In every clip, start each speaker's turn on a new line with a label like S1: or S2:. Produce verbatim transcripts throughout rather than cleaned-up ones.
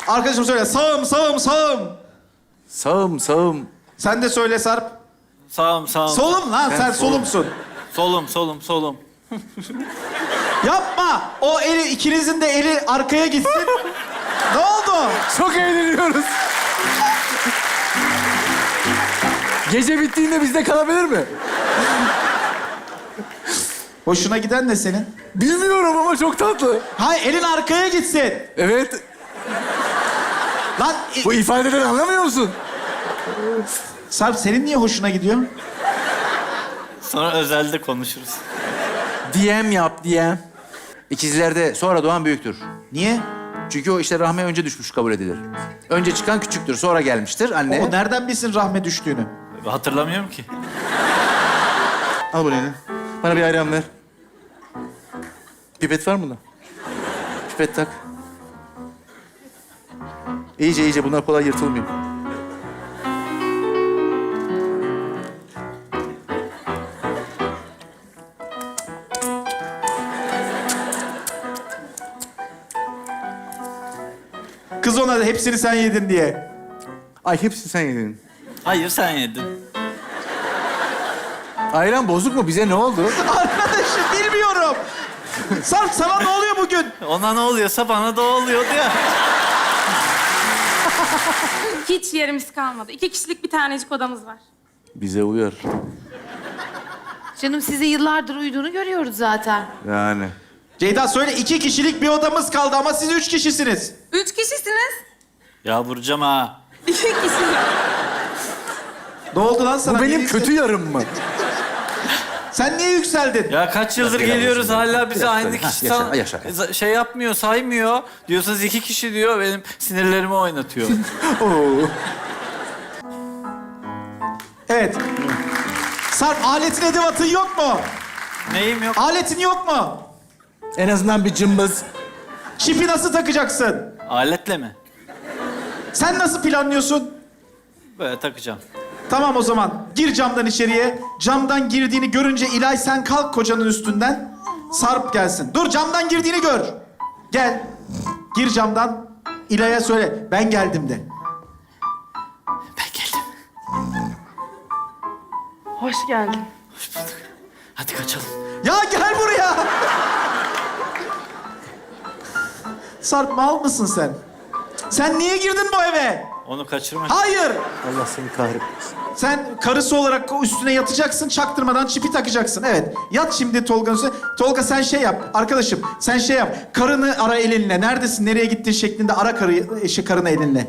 S1: Arkadaşım söyle. Sağım, sağım, sağım.
S2: Sağım, sağım.
S1: Sen de söyle Sarp.
S3: Sağım sağım.
S1: Solum lan, sen,
S2: Ben
S1: solumsun.
S3: Solum solum solum.
S1: Yapma. O eli, ikinizin de eli arkaya gitsin. Ne oldu?
S2: Çok eğleniyoruz. Gece bittiğinde bizde kalabilir mi?
S1: Hoşuna giden ne senin?
S2: Bilmiyorum ama çok tatlı.
S1: Hayır, elin arkaya gitsin.
S2: Evet.
S1: Lan
S2: Bu ifadeden anlamıyor musun?
S1: Sarp, senin niye hoşuna gidiyor?
S3: Sonra özelde konuşuruz.
S2: D M yap, D M. İkizlerde sonra doğan büyüktür.
S1: Niye?
S2: Çünkü o işte rahme önce düşmüş kabul edilir. Önce çıkan küçüktür, sonra gelmiştir anne.
S1: O nereden bilsin rahme düştüğünü?
S3: Hatırlamıyorum ki.
S2: Al bunu eline. Bana bir ayran ver. Pipet var mı bunda? Pipet tak. İyice iyice, bunlar kolay yırtılmıyor.
S1: Kız ona da hepsini sen yedin diye.
S2: Ay hepsini sen yedin.
S3: Hayır sen yedin.
S2: Ayran bozuk mu? Bize ne oldu?
S1: Arkadaşım bilmiyorum. Sarp, sana ne oluyor bugün?
S3: Ona ne oluyorsa bana da oluyordu ya.
S4: Hiç yerimiz kalmadı. İki kişilik bir tanecik odamız var.
S2: Bize uyar.
S5: Canım size yıllardır uyuduğunu görüyoruz zaten.
S2: Yani.
S1: Ceyda söyle, iki kişilik bir odamız kaldı ama siz üç kişisiniz.
S4: Üç kişisiniz.
S3: Ya vuracağım ha.
S4: İki kişi.
S1: Ne oldu lan sana?
S2: Bu benim
S1: Niye
S2: kötü yarım mı?
S1: Sen niye yükseldin?
S3: Ya kaç yıldır
S2: Gel
S3: geliyoruz
S2: abi,
S3: hala bize
S2: biraz
S3: aynı
S2: böyle.
S3: kişi
S2: Ha,
S3: san-
S2: yaşa, yaşa.
S3: za- şey yapmıyor, saymıyor. Diyorsanız iki kişi diyor, benim sinirlerimi oynatıyor.
S2: Oo.
S1: Evet. Sarp, aletin edevatın yok mu?
S3: Neyim yok?
S1: Aletin yok mu?
S2: En azından bir cımbız.
S1: Çipi nasıl takacaksın?
S3: Aletle mi?
S1: Sen nasıl planlıyorsun?
S3: Böyle takacağım.
S1: Tamam o zaman. Gir camdan içeriye. Camdan girdiğini görünce İlay sen kalk kocanın üstünden. Sarp gelsin. Dur, camdan girdiğini gör. Gel. Gir camdan. İlay'a söyle. Ben geldim de.
S3: Ben geldim.
S4: Hoş geldin.
S3: Hoş bulduk. Hadi kaçalım.
S1: Ya gel buraya. Sarp, mal mısın sen? Sen niye girdin bu eve?
S3: Onu kaçırma.
S1: Hayır.
S2: Allah seni kahretmesin.
S1: Sen karısı olarak üstüne yatacaksın, çaktırmadan çipi takacaksın. Evet. Yat şimdi Tolga'nın üstüne. Tolga sen şey yap, arkadaşım. Sen şey yap. Karını ara elinle. Neredesin, nereye gittin şeklinde ara karı, eşi karını elinle.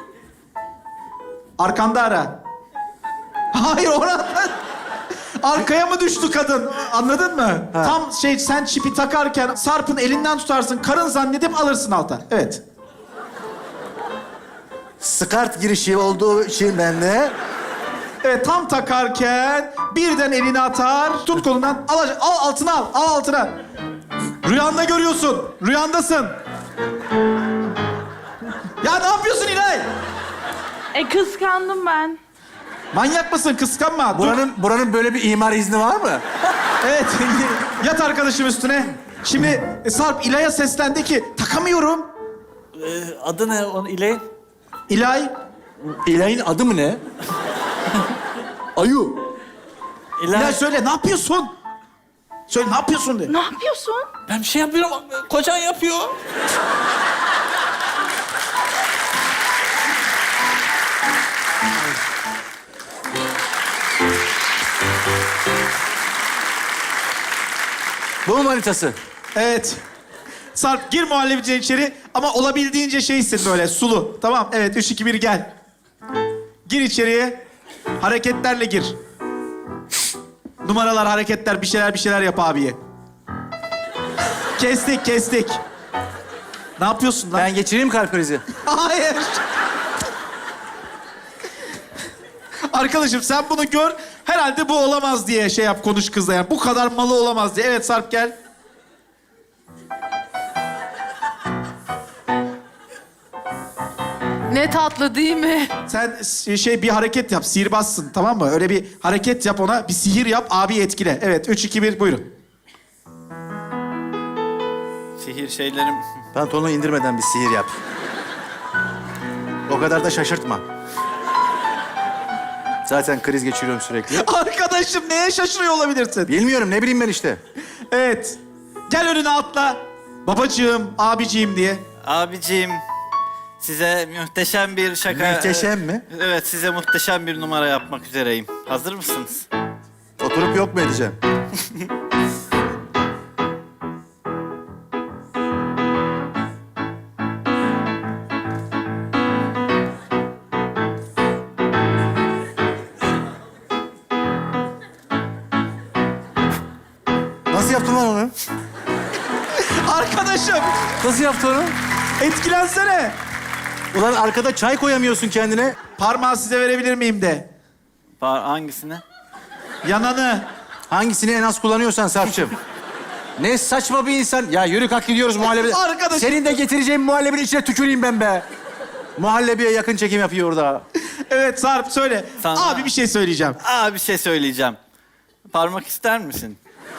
S1: Arkanda ara. Hayır, orada. Arkaya mı düştü kadın? Anladın mı? Tam şey, sen çipi takarken Sarp'ın elinden tutarsın. Karın zannedip alırsın alta. Evet.
S2: Skart girişi olduğu için ben de...
S1: Evet, tam takarken birden elini atar, tut kolundan, al, al altına al, al altına. Rüyanda görüyorsun, rüyandasın. Ya ne yapıyorsun İlay?
S4: E kıskandım ben.
S1: Manyak mısın? Kıskanma. Dur.
S2: Buranın, buranın böyle bir imar izni var mı?
S1: Evet, yat arkadaşım üstüne. Şimdi e, Sarp İlay'a seslendi ki, takamıyorum.
S3: Ee, adı ne onun İley'in?
S1: İlay,
S2: İlay'ın adı mı ne? Ayu.
S3: İlay.
S1: İlay söyle, ne yapıyorsun? Söyle, ne yapıyorsun de.
S4: Ne yapıyorsun?
S3: Ben bir şey yapıyorum. Kocan yapıyor.
S2: Bu mu manitası?
S1: Evet. Sarp, gir muhallebiciye içeri ama olabildiğince şeysin böyle, sulu. Tamam, evet, üç, iki, bir, gel. Gir içeriye, hareketlerle gir. Numaralar, hareketler, bir şeyler bir şeyler yap abiye. Kestik, kestik. Ne yapıyorsun lan?
S2: Ben geçireyim kalp krizi.
S1: Hayır. Arkadaşım sen bunu gör, herhalde bu olamaz diye şey yap, konuş kızla yani. Bu kadar malı olamaz diye. Evet Sarp, gel.
S5: Ne tatlı değil mi?
S1: Sen s- şey bir hareket yap, sihirbazsın tamam mı? Öyle bir hareket yap ona, bir sihir yap, abi etkile. Evet, üç, iki, bir, buyurun.
S3: Sihir şeylerim.
S2: Pantolonu indirmeden bir sihir yap.
S6: O kadar da şaşırtma. Zaten kriz geçiriyorum sürekli.
S1: Arkadaşım neye şaşırıyor olabilirsin?
S6: Bilmiyorum, ne bileyim ben işte.
S1: Evet. Gel önüne atla. Babacığım, abiciğim diye.
S3: Abiciğim, size muhteşem bir şaka...
S6: Muhteşem mi?
S3: Evet, size muhteşem bir numara yapmak üzereyim. Hazır mısınız?
S6: Oturup yok mu edeceğim? Nasıl yaptın lan onu?
S1: Arkadaşım,
S6: Nasıl yaptın onu?
S1: etkilensene.
S6: Ulan arkada çay koyamıyorsun kendine.
S1: Parmağı size verebilir miyim de.
S3: Ba- hangisini?
S1: Yananı.
S6: Hangisini en az kullanıyorsan Sarp'cığım. Ne saçma bir insan. Ya yürü kalk gidiyoruz muhallebi.
S1: Arkadaş-
S6: Senin de getireceğin muhallebinin içine tüküreyim ben be. Muhallebiye yakın çekim yapıyor orada.
S1: Evet Sarp söyle.
S3: Sana-
S1: Abi bir şey söyleyeceğim.
S3: Aa, bir şey söyleyeceğim. Parmak ister misin?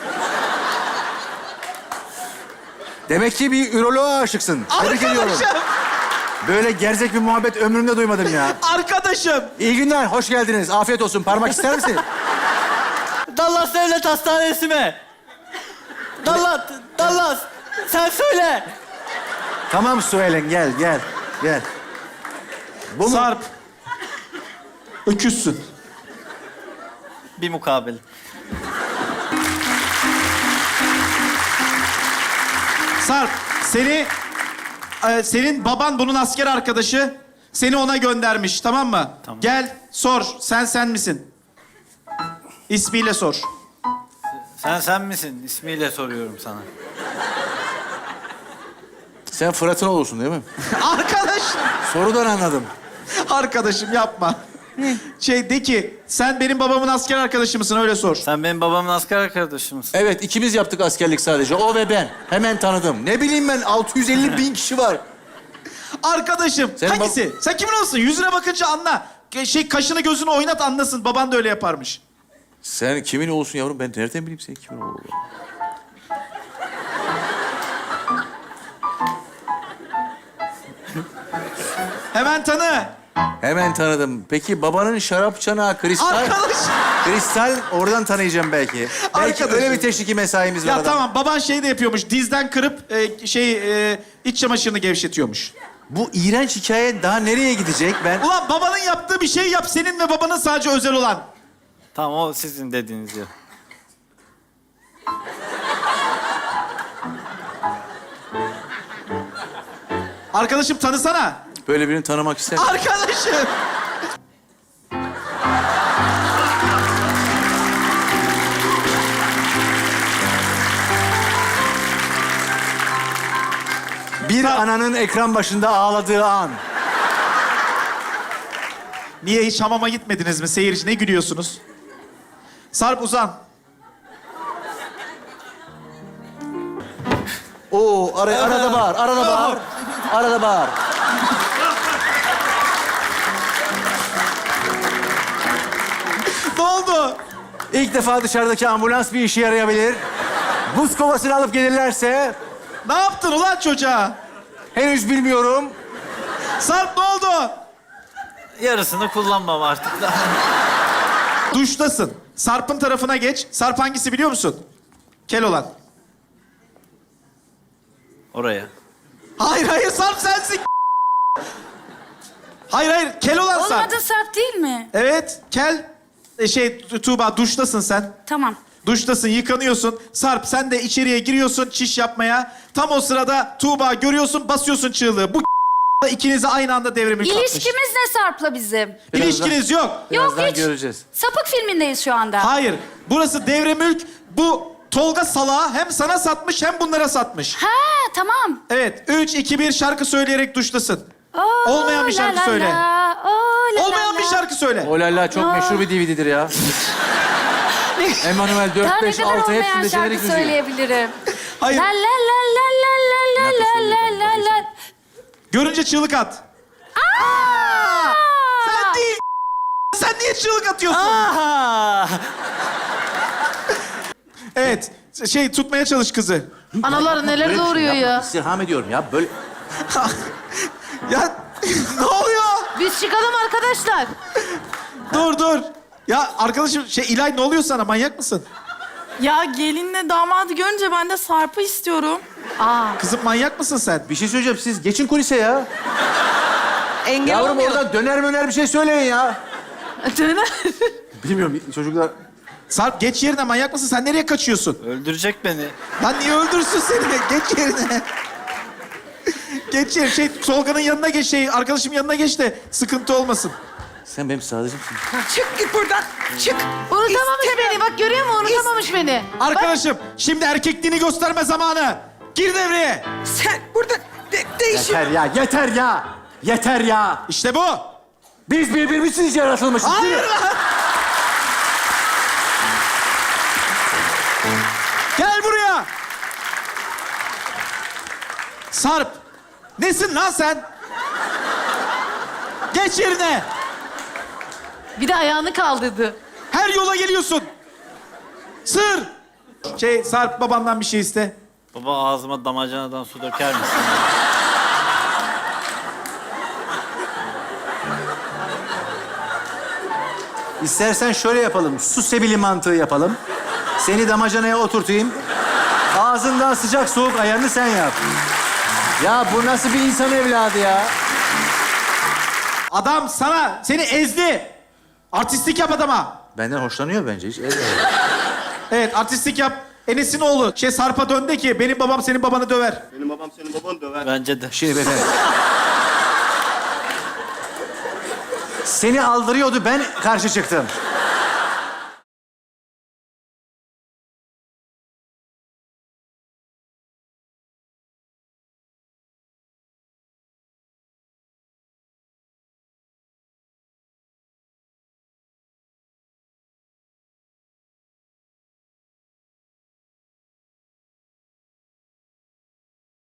S6: Demek ki bir üroloğa aşıksın. Tebrik ediyorum.
S1: Arkadaşım,
S6: Böyle gerzek bir muhabbet ömrümde duymadım ya.
S1: arkadaşım.
S6: İyi günler, hoş geldiniz. Afiyet olsun. Parmak ister misin?
S3: Dallas Devlet Hastanesi mi? Dallas, Dallas. Sen söyle.
S6: Tamam Suelen, gel, gel, gel. Bu mu?
S1: Sarp. Öküzsün.
S3: Bir mukabil.
S1: Sarp, seni... e, senin baban bunun asker arkadaşı. Seni ona göndermiş, tamam mı?
S3: Tamam.
S1: Gel, sor. Sen sen misin? İsmiyle sor.
S3: Sen sen misin? İsmiyle soruyorum sana.
S6: Sen Fırat'ın oğlusun değil mi?
S1: Arkadaşım.
S6: Sorudan anladım.
S1: Arkadaşım yapma. Şey de ki, sen benim babamın asker arkadaşı mısın? Öyle sor.
S3: Sen benim babamın asker arkadaşımsın.
S6: Evet, ikimiz yaptık askerlik sadece. O ve ben. Hemen tanıdım. Ne bileyim ben, altı yüz elli bin kişi var.
S1: Arkadaşım,
S6: Senin
S1: hangisi? Sen kimin olsun? Yüzüne bakınca anla. Şey, kaşını gözünü oynat anlasın. Baban da öyle yaparmış.
S6: Sen kimin oğlusun yavrum? Ben nereden bileyim senin kimin oğlu olduğunu?
S1: Hemen tanı.
S6: Hemen tanıdım. Peki babanın şarap çanağı kristal...
S1: Arkadaş.
S6: Kristal oradan tanıyacağım belki. Belki
S1: Arkadaşım.
S6: öyle bir teşviki mesaimiz var.
S1: Ya
S6: adam.
S1: tamam, baban şey de yapıyormuş. Dizden kırıp e, şey e, iç çamaşırını gevşetiyormuş.
S6: Bu iğrenç hikaye daha nereye gidecek ben?
S1: Ulan babanın yaptığı bir şey yap. Senin ve babanın sadece özel olan.
S3: Tamam, o sizin dediğiniz yer.
S1: Arkadaşım tanısana.
S6: Böyle birini tanımak ister misin?
S1: Arkadaşım.
S6: Bir ananın ekran başında ağladığı an.
S1: Niye hiç hamama gitmediniz mi? Seyirci ne gülüyorsunuz? Sarp uzan.
S6: Oo, ara, arada bağır, arada bağır. Arada bağır.
S1: Ne oldu?
S6: İlk defa dışarıdaki ambulans bir işe yarayabilir. Buz kovasını alıp gelirlerse
S1: Ne yaptın ulan çocuğa?
S6: henüz bilmiyorum.
S1: Sarp ne oldu?
S3: Yarısını kullanmam artık.
S1: Duştasın. Sarp'ın tarafına geç. Sarp hangisi biliyor musun? Kel olan.
S3: Oraya.
S1: Hayır hayır Sarp sensin. Hayır hayır kel olan Sarp.
S4: Olmadı Sarp değil mi?
S1: Evet kel. E, şey Tu- Tuğba duştasın sen.
S4: Tamam.
S1: Duştasın, yıkanıyorsun. Sarp sen de içeriye giriyorsun çiş yapmaya. Tam o sırada Tuğba görüyorsun, basıyorsun çığlığı. Bu ikinizi aynı anda devrimi katmış.
S7: İlişkimiz ne Sarp'la bizim?
S1: İlişkiniz yok.
S7: Yok
S6: Birazdan
S7: hiç.
S6: göreceğiz.
S7: Sapık filmindeyiz şu anda.
S1: Hayır. Burası devre mülk. Bu Tolga salağı hem sana satmış hem bunlara satmış.
S7: Ha tamam.
S1: Evet. Üç, iki, bir şarkı söyleyerek duştasın.
S7: Oo,
S1: Olmayan bir şarkı
S7: la la
S1: söyle.
S7: la, oo, la
S1: Olmayan
S7: la
S1: bir
S7: la.
S1: şarkı söyle.
S6: Olalla çok meşhur bir D V D'dir ya. Emanuel
S7: Daha
S6: dört,
S7: ne
S6: beş,
S7: kadar
S6: altı
S7: olmayan
S6: hepsinde
S7: şarkı
S6: jenerik müziği.
S7: söyleyebilirim.
S1: Hayır.
S7: La la la la la la la la la la la.
S1: Görünce çığlık at.
S7: Aa!
S1: Sen değil. Sen niye çığlık atıyorsun?
S3: Aha!
S1: Evet. Şey tutmaya çalış kızı.
S5: Analar neler
S6: Böyle bir şey
S5: doğuruyor
S6: yapma.
S5: ya.
S6: İstirham ediyorum ya. Böyle
S1: Ya ne oluyor?
S5: Biz çıkalım arkadaşlar.
S1: Dur dur. Ya arkadaşım şey İlay ne oluyor sana? Manyak mısın?
S8: Ya gelinle damadı görünce ben de Sarp'ı istiyorum.
S5: Aa,
S1: Kızım manyak mısın sen?
S6: Bir şey söyleyeceğim. Siz geçin kulise ya.
S5: engel
S6: Yavrum
S5: olmuyor.
S6: oradan döner möner bir şey söyleyin ya.
S5: Döner.
S6: Bilmiyorum çocuklar.
S1: Sarp geç yerine, manyak mısın? Sen nereye kaçıyorsun?
S3: Öldürecek beni.
S1: Lan niye öldürsün seni? Geç yerine. Geç yerine. Şey, Tolga'nın yanına geç, şey, arkadaşım yanına geç de sıkıntı olmasın.
S6: Sen benim sadıcımsın.
S8: Çık git buradan. Çık.
S5: Unutamamış beni. Bak görüyor musun? Unutamamış beni.
S1: Arkadaşım, şimdi erkekliğini gösterme zamanı. Gir devreye.
S8: Sen burada de değişim.
S6: Yeter ya, yeter ya. Yeter ya.
S1: İşte bu.
S6: Biz birbirimiz için yaratılmışız.
S1: Hayır
S6: değil mi?
S1: lan. Gel buraya. Sarp. Nesin lan sen? Geç yerine.
S5: Bir de ayağını kaldırdı.
S1: Her yola geliyorsun. Sır. Şey, Sarp babandan bir şey iste.
S3: Baba ağzıma damacanadan su döker misin?
S6: İstersen şöyle yapalım. Su sebili mantığı yapalım. Seni damacanaya oturtayım. Ağzından sıcak soğuk ayarını sen yap. Ya bu nasıl bir insan evladı ya?
S1: Adam sana, seni ezdi. Artistlik yap adama.
S6: Benden hoşlanıyor bence hiç.
S1: Evet, artistlik yap. Enes'in oğlu şey Sarp'a döndü ki benim babam senin babanı döver.
S9: Benim babam senin babanı döver.
S3: Bence de.
S6: Şimdi beyefendi. Seni aldırıyordu, ben karşı çıktım.